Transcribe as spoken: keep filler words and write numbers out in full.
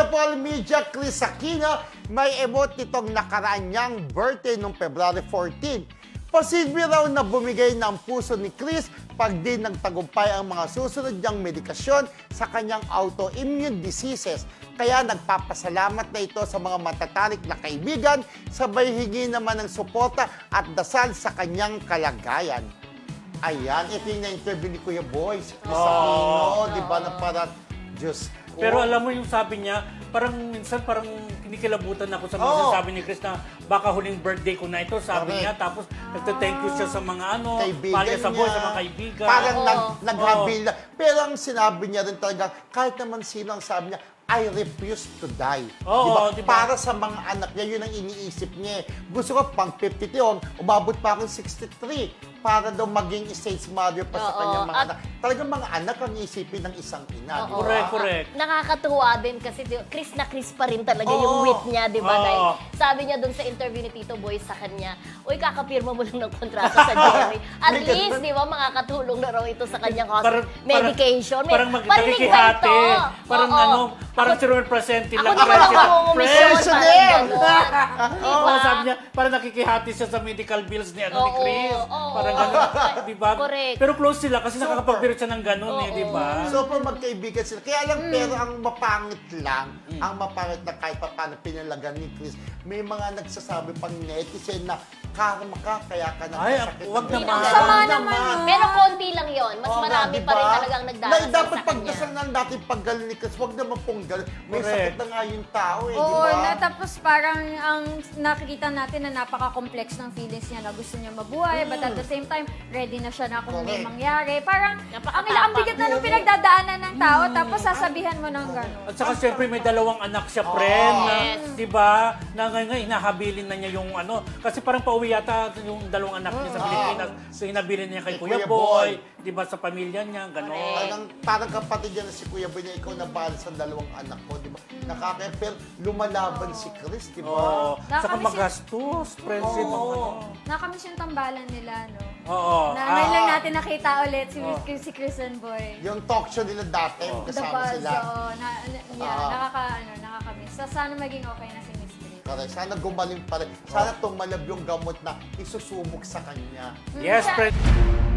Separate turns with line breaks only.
Beautiful Media Chris Aquino, may emote nitong nakaraan niyang birthday noong February fourteen. Posible raw na bumigay ng puso ni Chris pag din nagtagumpay ang mga susunod niyang medikasyon sa kanyang autoimmune diseases. Kaya nagpapasalamat na ito sa mga matatarik na kaibigan, sabay hingi naman ng suporta at dasal sa kanyang kalagayan. Ayan, ito yung na-interview ni Kuya Boy, si Chris Aquino, di ba, na parang, Diyos ko.
Pero alam mo yung sabi niya, parang minsan parang kinikilabutan ako sa mga
Oo.
sinasabi ni Chris na baka huling birthday ko na ito, sabi
Correct.
niya. Tapos nagte-thank you siya sa mga ano,
Kaibigan
pala sa boy,
niya.
sa mga kaibigan.
Parang
Oo.
nag, naghabil na. Pero ang sinabi niya rin talaga, kahit naman sino ang sabi niya, I refuse to die.
Oo,
Diba?
diba?
Para sa mga anak niya, yun ang iniisip niya. Gusto ko pang fifty-two, umabot pa akong sixty-three para daw maging stage mother pa sa
Oo.
kanyang mga
At-
anak. Talagang mga anak ang isipin ng isang ina.
Oo.
di ba?
Correct, correct.
Nakakatuwa din kasi di- Chris na Chris pa rin talaga
Oo.
yung wit niya, di ba?
Oo.
Dahil sabi niya doon sa interview ni Tito Boy sa kanya, uy, kakapirma mo lang ng kontrata sa Jerry. At
May
least,
ganun.
di ba, makakatulong na raw ito sa kanyang hos-
Parang-
medication. May-
Parang
parinig ba
magkakihati.
ito?
Parang
Oo.
ano, parang
Ako-
si Romel Presente
Ako
lang.
di ba lang
Presente.
nangungumisyon?
Pensioner!
Parang gano'n. Di
Oo,
ba?
sabi niya, parang nakikihati siya sa medical bills ni, ano, ni
Oo,
Chris.
oo.
Parang gano'n, di ba?
Correct.
Pero close sila kasi
Super.
nakakapag-birit siya ng gano'n eh,
Oo.
di ba?
So, pa magkaibigan sila. Kaya lang,
Mm.
pero ang mapangit lang, ang mapangit na kahit pa paano pinalagan ni Chris, may mga nagsasabi pang netizen na karma ka, kaya ka
Ay,
nagkasakit.
wag
ng
naman.
ganyan."
Ang sama
Wag
naman,
Pero konti lang yon. Mas
Oo nga,
marami
di
pa rin
ba?
talagang
Na
nagdadasal
dapat
sa
pagdasal
kanya.
ng dating paggaling ni Chris, wag naman pong galing. May
Correct.
sakit na nga yung tao eh, di
Oo,
ba?
na, tapos parang ang nakikita natin na napaka-complex ng feelings niya na gusto niya mabuhay, but at the same time, ready na siya na kung may
Correct.
mangyari. Parang
Napakatapang.
ang ilang bigat na nung pinagdadaanan ng tao, tapos sasabihan mo ng gano'n.
At saka siyempre may dalawang anak siya, friend, na,
Yes.
di ba? Na ngayon nga, hinahabilin na niya yung ano. Kasi parang pauwi yata yung dalawang anak niya sa Pilipinas. So hinabilin niya kay
Kay
Kuya
Kuya
Boy,
Boy.
di ba, sa pamilya niya, gano'n.
Parang, parang kapatid niya na si Kuya Boy na ikaw na bahal sa dalawang anak ko, di ba? Nakaka pero lumalaban si Chris, di ba?
Oo. Saka
Nakakamiss yun.
magastos, friendship, ang ano.
Nakamiss yung tambalan nila, no?
Oo.
Na
Ah,
ngayon lang natin nakita ulit si,
Oh.
si Chris and Boy.
Yung talk show nila dati,
Oh.
The
kasama
Buzz,
sila.
oo. Na, na, yeah,
Ah.
nakaka, ano, nakakamiss. So, sana maging okay na si Miss Grace.
Correct. Sana gumaling pa rin. Sana tumalab yung gamot na isusubok sa kanya.
yes, friend.